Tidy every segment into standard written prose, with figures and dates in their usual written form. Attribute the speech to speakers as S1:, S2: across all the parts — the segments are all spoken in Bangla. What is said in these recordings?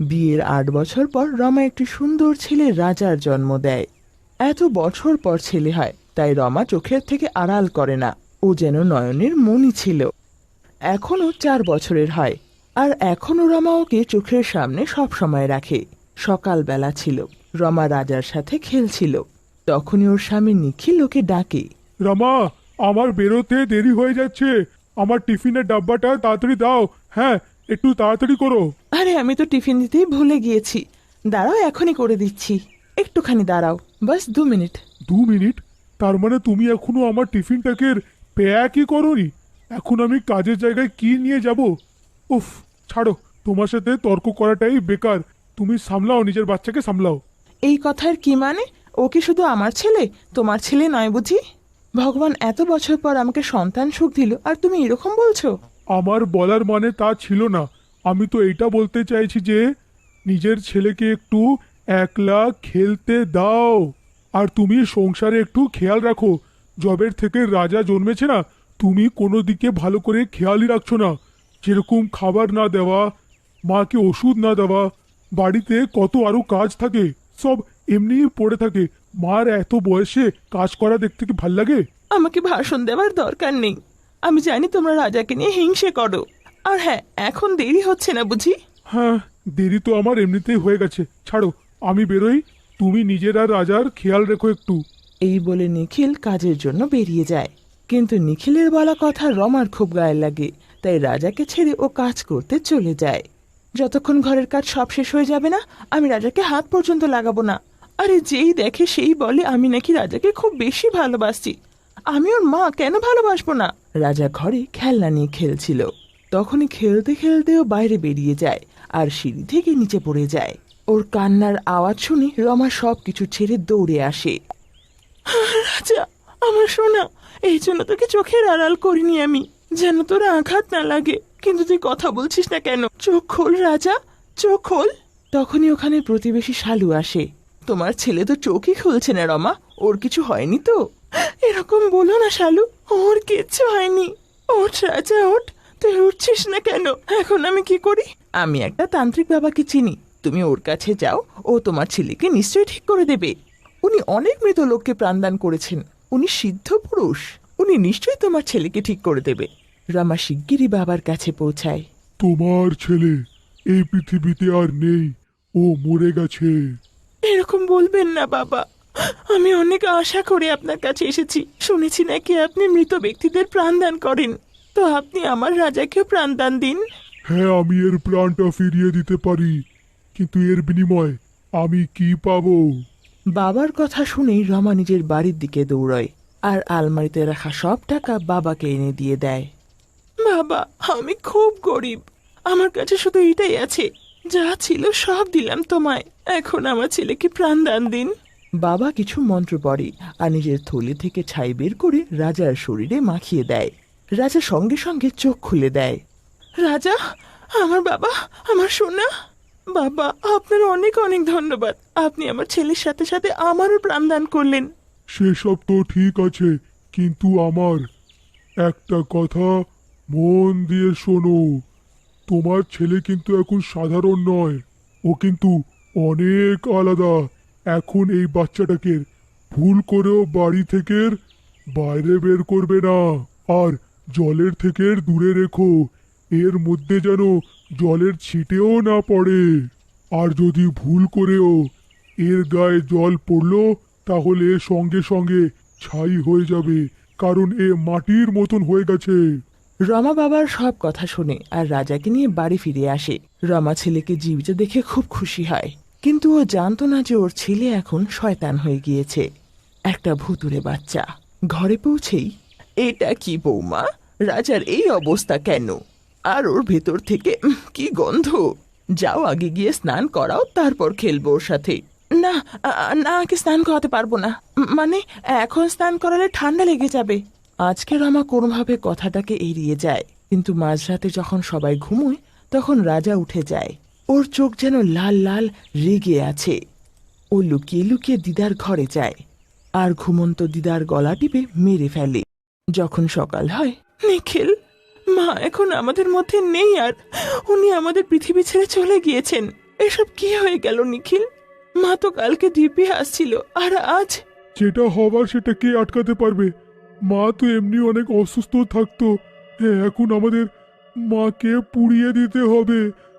S1: বিয়ের ৮ বছর পর রমা একটি সুন্দর ছেলে রাজার জন্ম দেয়। এত বছর পর ছেলে হয়, তাই রমা চোখের থেকে আড়াল করে না। ও যেন নয়নের মণি ছিল। এখনো ৪ বছরের হয়, আর এখনো রমা ওকে চোখের সামনে সব সময় রাখে। সকালবেলা ছিল, রমা রাজার সাথে খেলছিল। তখনই ওর স্বামী নিখিল ওকে ডাকে।
S2: রমা, আমার বেরোতে দেরি হয়ে যাচ্ছে। আমার টিফিনের ডাব্বাটা তাড়াতাড়ি দাও। হ্যাঁ, একটু তাড়াতাড়ি করো।
S1: আরে আমি তো টিফিন দিতেই ভুলে গিয়েছি। দাঁড়াও, এখনই করে দিচ্ছি। একটুখানি দাঁড়াও, বাস ২ মিনিট।
S2: ২ মিনিট? তার মানে তুমি এখনো আমার টিফিনটাকে প্যাকই করোনি? এখন আমি কাজের জায়গায় কি নিয়ে যাব? উফ, ছাড়ো, তোমার সাথে তর্ক করাটাই বেকার। তুমি সামলাও, নিজের বাচ্চাকে সামলাও।
S1: এই কথার কি মানে? ও কি শুধু আমার ছেলে, তোমার ছেলে নয় বুঝি? ভগবান এত বছর পর আমাকে সন্তান সুখ দিল, আর তুমি এরকম বলছো?
S2: আমার বলার মানে তা ছিল না। আমি তো এইটা বলতে চাইছি যে নিজের ছেলেকে একটু একলা খেলতে দাও। আর তুমি সংসারে একটু খেয়াল রাখো। জবের থেকে রাজা জন্মেছে না, তুমি কোনো দিকে ভালো করে খেয়ালই রাখছো না। যেরকম খাবার না দেওয়া, মাকে ওষুধ না দেওয়া, বাড়িতে কত আরো কাজ থাকে, সব এমনিই পড়ে থাকে। মার এত বয়সে কাজ করা দেখতে কি ভাল লাগে?
S1: আমাকে ভাষণ দেওয়ার দরকার নেই। আমি জানি তোমরা রাজাকে নিয়ে হিংসে করো। আর হ্যাঁ, এখন দেরি হচ্ছে না বুঝি?
S2: হ্যাঁ, দেরি তো আমার এমনিতেই হয়ে গেছে। ছাড়ো, আমি বেরোই। তুমি নিজের আর রাজার খেয়াল রেখো একটু।
S1: এই বলে নিখিল কাজের জন্য বেরিয়ে যায়। কিন্তু নিখিলের বলা কথা রমার খুব গায়ে লাগে, তাই রাজাকে ছেড়ে ও কাজ করতে চলে যায়। যতক্ষণ ঘরের কাজ সব শেষ হয়ে যাবে না, আমি রাজাকে হাত পর্যন্ত লাগাবো না। আরে যেই দেখে সেই বলে আমি নাকি রাজাকে খুব বেশি ভালোবাসি। আমি ওর মা, কেন ভালোবাসবো না? রাজা ঘরে খেলনা নিয়ে খেলছিল। তখনই খেলতে খেলতে ও বাইরে বেরিয়ে যায়, আর সিঁড়ি থেকে নিচে পড়ে যায়। ওর কান্নার আওয়াজ শুনে রমা সবকিছু ছেড়ে দৌড়ে আসে। রাজা, আমার সোনা, এই জন্য তোকে চোখের আড়াল করিনি আমি, যেন তোর আঘাত না লাগে। কিন্তু তুই কথা বলছিস না কেন? চোখ খোল রাজা, চোখ খোল। তখনই ওখানে প্রতিবেশী শালু আসে। তোমার ছেলে তো চোখই খুলছে না রমা, ওর কিছু হয়নি তো? এরকম বলো না শালু, ওর কিচ্ছু হয়নি। ওঠ রাজা, ওঠ। তুই উঠছিস না কেন? এখন আমি কি করি? আমি একটা তান্ত্রিক বাবাকে চিনি, তুমি ওর কাছে যাও। ও তোমার ছেলেকে নিশ্চয়ই ঠিক করে দেবে। উনি অনেক মৃত লোককে প্রাণদান করেছেন। উনি সিদ্ধ পুরুষ। উনি নিশ্চয়ই তোমার ছেলেকে ঠিক করে দেবে। রমা শিগগিরই বাবার কাছে পৌঁছায়।
S2: তোমার ছেলে এই পৃথিবীতে আর নেই, ও মরে গেছে।
S1: এরকম বলবেন না বাবা, আমি অনেক আশা করে আপনার কাছে এসেছি। শুনেছি নাকি আপনি মৃত ব্যক্তিদের প্রাণদান করেন, তো আপনি আমার রাজাকেও প্রাণদান দিন।
S2: হ্যাঁ, আমি এর প্রাণটা ফিরিয়ে দিতে পারি, কিন্তু এর বিনিময়ে আমি কি পাবো?
S1: বাবার কথা শুনেই রমা নিজের বাড়ির দিকে দৌড়ায়, আর আলমারিতে রাখা সব টাকা বাবাকে এনে দিয়ে দেয়। বাবা, আমি খুব গরিব। আমার কাছে শুধু এটাই আছে। যা ছিল সব দিলাম তোমায়। এখন আমার ছেলেকে প্রাণদান দিন। বাবা কিছু মন্ত্র পড়ে, আর নিজের থলি থেকে ছাই বের করে রাজার শরীরে মাখিয়ে দেয়। রাজা সঙ্গে সঙ্গে চোখ খুলে দেয়। রাজা, আমার বাবা, আমার সোনা। বাবা, আপনার অনেক অনেক ধন্যবাদ। আপনি আমার ছেলের সাথে সাথে আমারও প্রাণদান করলেন।
S2: সেসব তো ঠিক আছে, কিন্তু আমার একটা কথা মন দিয়ে শোনো। তোমার ছেলে কিন্তু এখন সাধারণ নয়, ও কিন্তু অনেক আলাদা। এখন এই বাচ্চাটাকে ভুল করেও বাড়ি থেকে বাইরে বের করবে না, আর জলের থেকে দূরে রেখো। এর মধ্যে যেন জলের ছিটেও না পড়ে। আর যদি ভুল করেও এর গায়ে জল পড়লো, তাহলে সঙ্গে সঙ্গে ছাই হয়ে যাবে, কারণ এ মাটির মতন হয়ে গেছে।
S1: রমা বাবার সব কথা শুনে আর রাজাকে নিয়ে বাড়ি ফিরে আসে। রমা ছেলেকে জীবিত দেখে খুব খুশি হয়, কিন্তু ও জানতো না যে ওর ছেলে এখন শয়তান হয়ে গিয়েছে, একটা ভুতুড়ে বাচ্চা। ঘরে পৌঁছেই, এটা কি বৌমা, রাজার এই অবস্থা কেন? আর ওর ভেতর থেকে কি গন্ধ! যাও আগে গিয়ে স্নান করাও, তারপর খেলবো ওর সাথে। না, না, আগে স্নান করাতে পারবো না। মানে, এখন স্নান করালে ঠান্ডা লেগে যাবে। আজকে রমা কোনোভাবে কথাটাকে এড়িয়ে যায়, কিন্তু মাঝরাতে যখন সবাই ঘুমোয়, তখন রাজা উঠে যায়। ওর চোখ যেন লাল লাল রেগে আছে। ও লুকিয়ে লুকিয়ে দিদার ঘরে যায়, আর ঘুমন্ত দিদার গলা টিপে মেরে ফেলে। যখন সকাল হয়, নিখিল, মা এখন আমাদের মধ্যে নেই, আর উনি আমাদের পৃথিবী ছেড়ে চলে গিয়েছেন। এসব কি হয়ে গেল নিখিল? মা তো কালকে দিব্যি আসছিল, আর আজ?
S2: যেটা হবার সেটা কে আটকাতে পারবে? মা তো এমনি অনেক অসুস্থ থাকতো। হ্যাঁ, এখন আমাদের মাকে পুড়িয়ে দিতে হবে।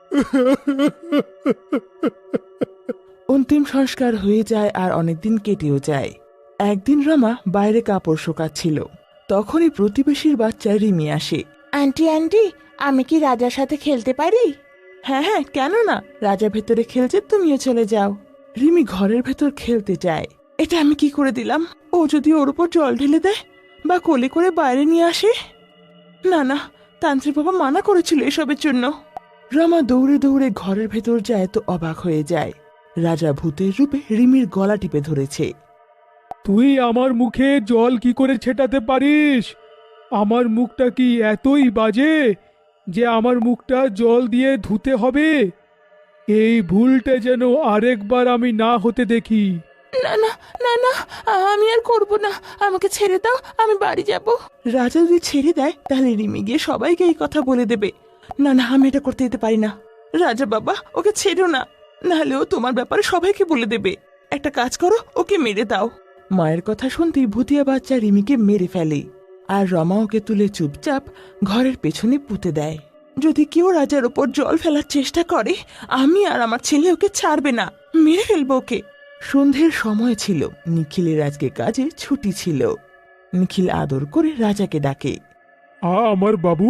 S1: অন্তিম সংস্কার হয়ে যায় আর অনেকদিন কেটেও যায়। একদিন রমা বাইরে কাপড় শোকাচ্ছিল। তখনই প্রতিবেশীর বাচ্চা রিমি আসে। আন্টি আন্টি, আমি কি রাজার সাথে খেলতে পারি? হ্যাঁ হ্যাঁ, কেন না, রাজা ভেতরে খেলছে, তুমিও চলে যাও। রিমি ঘরের ভেতর খেলতে যায়। এটা আমি কি করে দিলাম? ও যদি ওর উপর জল ঢেলে দেয় বা কোলে করে বাইরে নিয়ে আসে? না না, তান্ত্রিক বাবা মানা করেছিল এসবের জন্য। রমা দৌড়ে দৌড়ে ঘরের ভেতর যায় তো অবাক হয়ে যায়। রাজা ভূতের রূপে রিমির গলা টিপে ধরেছে।
S3: তুই আমার মুখে জল কি করে ছেটাতে পারিস? আমার মুখটা কি এতই বাজে যে আমার মুখটা জল দিয়ে ধুতে হবে? এই ভুলটা যেন আরেকবার আমি না হতে দেখি।
S1: না না না না, আমি আর করব না, আমাকে ছেড়ে দাও, আমি বাড়ি যাব। রাজা যদি ছেড়ে দেয় তাহলে রিমি গিয়ে সবাইকে এই কথা বলে দেবে। না না, আমি এটা করতে দিতে পারি না। রাজা বাবা, ওকে ছেড়ো না, নাহলে ও তোমার ব্যাপারে সবাইকে বলে দেবে। একটা কাজ করো, ওকে মেরে দাও। মায়ের কথা শুনতেই ভুতিয়া বাচ্চা রিমিকে মেরে ফেলে, আর রমা ওকে তুলে চুপচাপ ঘরের পেছনে পুঁতে দেয়। যদি কেউ রাজার ওপর জল ফেলার চেষ্টা করে, আমি আর আমার ছেলে ওকে ছাড়বে না, মেরে ফেলবো ওকে। সন্ধ্যের সময় ছিল, নিখিলের আজকে কাজে ছুটি ছিল। নিখিল আদর করে রাজাকে ডাকে।
S2: আমার বাবু,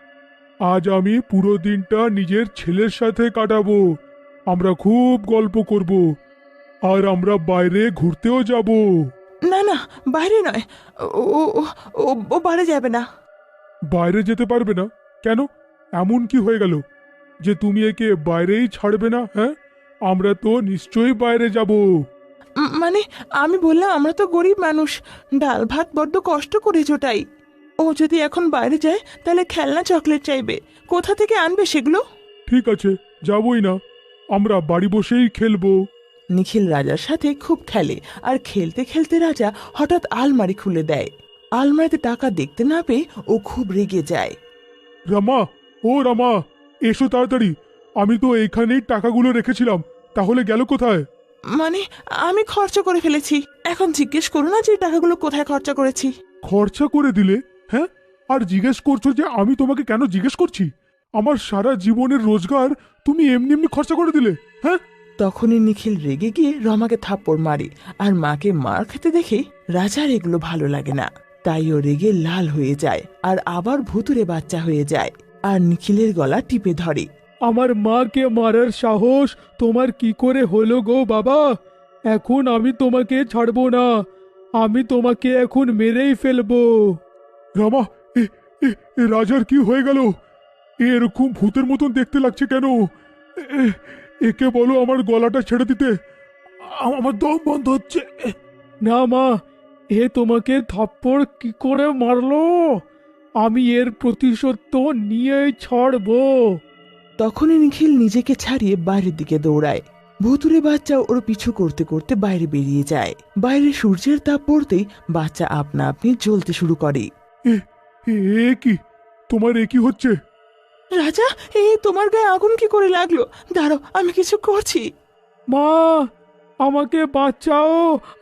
S2: আজ আমি পুরো দিনটা নিজের ছেলের সাথে কাটাবো। আমরা খুব গল্প করব, আর আমরা বাইরে ঘুরতেও যাব।
S1: না না, বাইরে নয়, ও ও ও ও বাইরে যাবে না।
S2: বাইরে যেতে পারবে না কেন? এমন কি হয়ে গেল যে তুমি একে বাইরেই ছাড়বে না? হ্যাঁ, আমরা তো নিশ্চয়ই বাইরে যাব।
S1: মানে আমি বললাম, আমরা তো গরিব মানুষ, ডাল ভাত বড্ড কষ্ট করে জোটাই। ও যদি এখন বাইরে যায় তাহলে খেলনা চকলেট চাইবে, কোথা থেকে আনবে সেগুলো?
S2: ঠিক আছে, যাবই না, আমরা বাড়ি বসেই খেলবো।
S1: নিখিল রাজার সাথে খুব খেলে, আর খেলতে খেলতে রাজা হঠাৎ আলমারি খুলে দেয়। আলমারিতে টাকা দেখতে না পেয়ে ও খুব রেগে যায়।
S2: রামা, ও রামা, এসো তাড়াতাড়ি। আমি তো এইখানেই টাকাগুলো রেখেছিলাম, তাহলে গেল কোথায়?
S1: মানে আমি খরচা করে ফেলেছি, এখন জিজ্ঞেস করো না যে টাকাগুলো কোথায় খরচা করেছি।
S2: খরচা করে দিলে? হ্যাঁ, আর জিজ্ঞেস করছো যে আমি তোমাকে কেন জিজ্ঞেস করছি? আমার সারা জীবনের রোজগার তুমি এমনি এমনি খরচা করে দিলে? হ্যাঁ।
S1: তখনই নিখিল রেগে গিয়ে রমাকে থাপ্পড় মারে, আর মাকে মার খেতে দেখে রাজার এগুলো ভালো লাগে না, তাই ও রেগে লাল হয়ে যায় আর আবার ভুতুরে বাচ্চা হয়ে যায়, আর নিখিলের গলা টিপে ধরে।
S3: আমার মাকে মারার সাহস তোমার কি করে হলো গো বাবা? এখন আমি তোমাকে ছাড়বো না, আমি তোমাকে এখন মেরেই ফেলবো।
S2: রামা, এ এ এ রাজার কি হয়ে গেল? এরকম ভূতের মতন দেখতে লাগছে কেন? একে বলো আমার গলাটা ছেড়ে দিতে, আমার দম বন্ধ হচ্ছে।
S3: না মা, এ তোমাকে থাপ্পড় কি করে মারলো? আমি এর প্রতিশোধ তো নিয়েই ছাড়বো।
S1: তখনই নিখিল নিজেকে ছাড়িয়ে বাইরের দিকে দৌড়ায়। ভুতুরে বাচ্চা ওর পিছু করতে করতে বাইরে বেরিয়ে যায়। বাইরে সূর্যের তাপ পড়তেই বাচ্চা আপনা আপনি জ্বলতে শুরু করে।
S2: এ এ কি তোমার, এ কি হচ্ছে?
S1: রাজা, তোমার গায়ে আগুন কি করে লাগলো? দাঁড়াও, আমি কিছু করছি।
S3: মা, আমাকে বাঁচাও!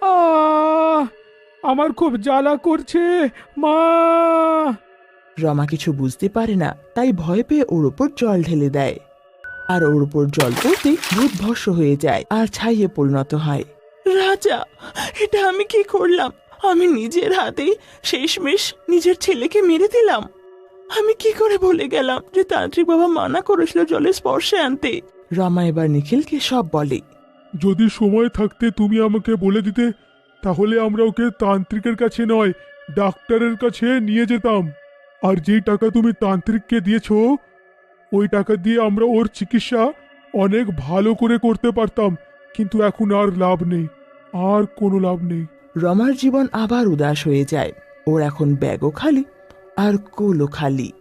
S3: আমার খুব জ্বালা করছে মা।
S1: রমা কিছু বুঝতে পারে না, তাই ভয় পেয়ে ওর উপর জল ঢেলে দেয়, আর ওর উপর জল পড়তেই ভূত ভস্ম হয়ে যায় আর ছাইয়ে পরিণত হয়। রাজা, এটা আমি কি করলাম? আমি নিজের হাতেই শেষমেশ নিজের ছেলেকে মেরে দিলাম। আমি কি করে ভুলে গেলাম যে তান্ত্রিক বাবা মানা করেছিল জলের স্পর্শে আনতে? রমা এবার নিখিলকে সব বলে।
S2: যদি সময় থাকতে তুমি আমাকে বলে দিতে, তাহলে আমরা ওকে তান্ত্রিকের কাছে নয়, ডাক্তারের কাছে নিয়ে যেতাম। আর যেই টাকা তুমি তান্ত্রিককে দিয়েছো, ওই টাকা দিয়ে আমরা ওর চিকিৎসা অনেক ভালো করে করতে পারতাম। কিন্তু এখন আর লাভ নেই, আর কোনো লাভ নেই।
S1: রমার জীবন আবার উদাস হয়ে যায়। ওর এখন ব্যাগও খালি আর কোলও খালি।